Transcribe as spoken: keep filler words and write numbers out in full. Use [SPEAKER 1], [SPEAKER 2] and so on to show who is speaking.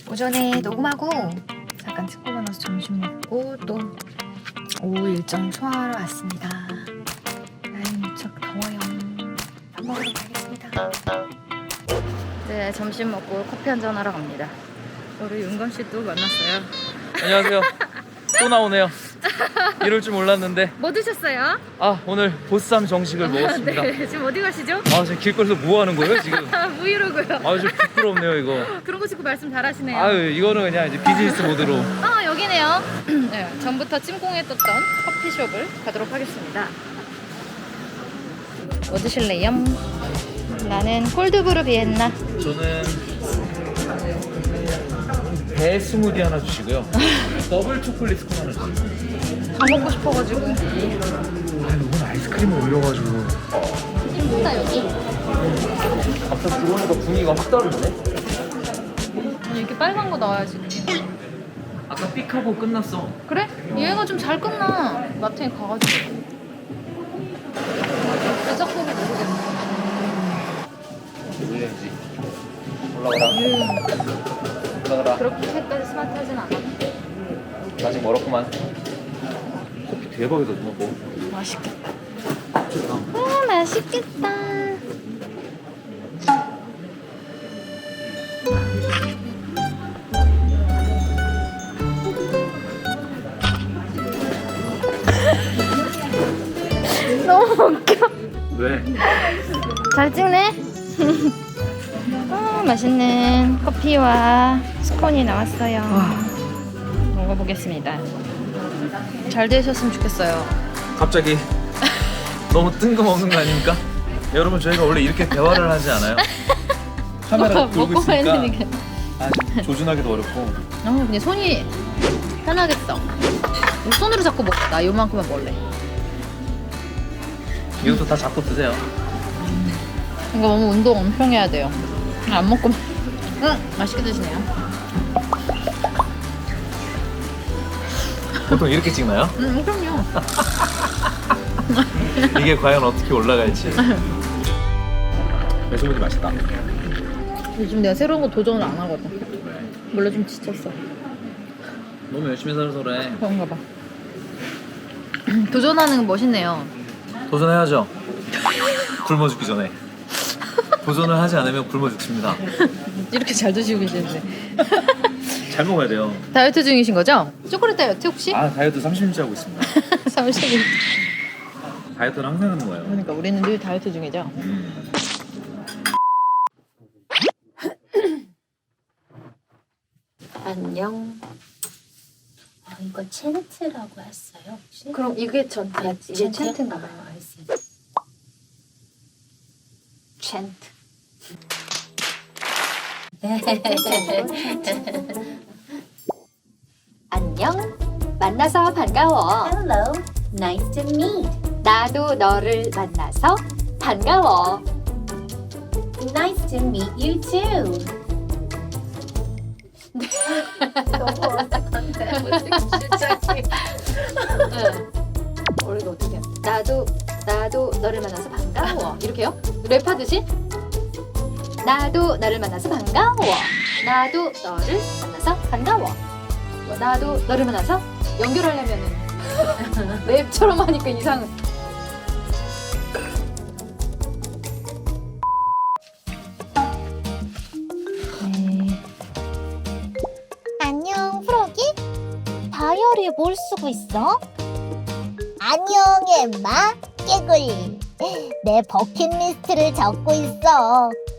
[SPEAKER 1] 오전에 녹음하고 잠깐 친구 만나서 점심 먹고 또 오후 일정 소화하러 왔습니다. 날이 무척 더워요. 밥 먹으러 가겠습니다. 네, 점심 먹고 커피 한잔 하러 갑니다. 우리 윤건 씨 또 만났어요.
[SPEAKER 2] 안녕하세요. 또 나오네요. 이럴 줄 몰랐는데.
[SPEAKER 1] 뭐 드셨어요?
[SPEAKER 2] 아, 오늘 보쌈 정식을 먹었습니다.
[SPEAKER 1] 네, 지금 어디 가시죠?
[SPEAKER 2] 아, 지금 길거리에서 뭐 하는 거예요 지금?
[SPEAKER 1] 무이로고요.
[SPEAKER 2] 아, 좀 부끄럽네요 이거.
[SPEAKER 1] 그런 거 듣고 말씀 잘하시네요.
[SPEAKER 2] 아유, 이거는 그냥 이제 비즈니스 모드로.
[SPEAKER 1] 아, 여기네요. 네, 전부터 찜공했었던 커피숍을 가도록 하겠습니다. 뭐 드실래요? 나는 콜드브루 비엔나.
[SPEAKER 2] 저는 배 스무디 하나 주시고요. 더블 초콜릿 스콘 하나 주시고요.
[SPEAKER 1] 다 먹고 싶어가지고.
[SPEAKER 2] 아, 이건 아이스크림을 올려가지고.
[SPEAKER 1] 힘들다 여기.
[SPEAKER 2] 갑자기 들어오니까 분위기가 확 다른데?
[SPEAKER 1] 아니, 이렇게 빨간 거 나와야지.
[SPEAKER 2] 아까 삑하고 끝났어.
[SPEAKER 1] 그래? 얘가 좀 잘 끝나. 마트에 가가지고. 왜 자꾸 모르겠네.
[SPEAKER 2] 올려야지. 올라가라. 올라가라.
[SPEAKER 1] 그렇게까지 스마트하진 않아.
[SPEAKER 2] 아직 멀었구만. 커피 대박이다 누나 뭐.
[SPEAKER 1] 맛있겠다. 아, 맛있겠다. 너무 웃겨.
[SPEAKER 2] 왜?
[SPEAKER 1] 잘 찍네. 아, 맛있는 커피와 스콘이 나왔어요. 먹어보겠습니다. 잘 되셨으면 좋겠어요.
[SPEAKER 2] 갑자기 너무 뜬금없는 거 아닙니까? 여러분 저희가 원래 이렇게 대화를 하지 않아요? 카메라 돌고
[SPEAKER 1] 먹고만
[SPEAKER 2] 있으니까
[SPEAKER 1] 했으니까.
[SPEAKER 2] 아, 지금 조준하기도 어렵고.
[SPEAKER 1] 어, 근데 손이 편하겠어. 손으로 잡고 먹자. 요만큼만 먹을래.
[SPEAKER 2] 이것도 다 잡고 드세요.
[SPEAKER 1] 이거 너무 운동 엄청 해야 돼요. 안 먹고. 응, 맛있게 드시네요.
[SPEAKER 2] 보통 이렇게 찍나요?
[SPEAKER 1] 응, 그럼요.
[SPEAKER 2] 이게 과연 어떻게 올라갈지. 배수분이 맛있다.
[SPEAKER 1] 요즘 내가 새로운 거 도전을 안 하거든. 원래 좀 지쳤어.
[SPEAKER 2] 너무 열심히 살아서 그래.
[SPEAKER 1] 그런가 봐. 도전하는 건 멋있네요.
[SPEAKER 2] 도전해야죠. 굶어 죽기 전에. 도전을 하지 않으면 굶어 죽습니다.
[SPEAKER 1] 이렇게 잘 드시고 계시는데.
[SPEAKER 2] 잘 먹어야 돼요.
[SPEAKER 1] 다이어트 중이신 거죠? 초콜릿 다이어트 혹시?
[SPEAKER 2] 아, 다이어트 삼십 일째 하고 있습니다.
[SPEAKER 1] 삼십 일.
[SPEAKER 2] 다이어트는 항상 하는 거예요.
[SPEAKER 1] 그러니까 우리는 늘 다이어트 중이죠.
[SPEAKER 2] 음.
[SPEAKER 3] 안녕. 아, 이거 챈트라고 했어요 혹시?
[SPEAKER 1] 그럼 이게 전
[SPEAKER 3] 아,
[SPEAKER 1] 이게
[SPEAKER 3] 챈트?
[SPEAKER 1] 챈트인가 봐요.
[SPEAKER 3] 아, 알았어요.
[SPEAKER 1] 챈트.
[SPEAKER 3] 안녕. 만나서 반가워. Hello. Nice to meet. 나도 너를 만나서 반가워. Nice to meet you too. 너무 어색한데.
[SPEAKER 1] 어, 이거 어떻게? 나도 나도 너를 만나서 반가워. 이렇게요? 랩하듯이?
[SPEAKER 3] 나도 너를 만나서 반가워. 나도 너를 만나서 반가워.
[SPEAKER 1] 나도 너를 만나서 연결하려면은 랩처럼 하니까 이상해.
[SPEAKER 4] 안녕, 프로기? 다이어리에 뭘 쓰고 있어? 안녕, 엠마. 깨글리. 내 버킷리스트를 적고 있어.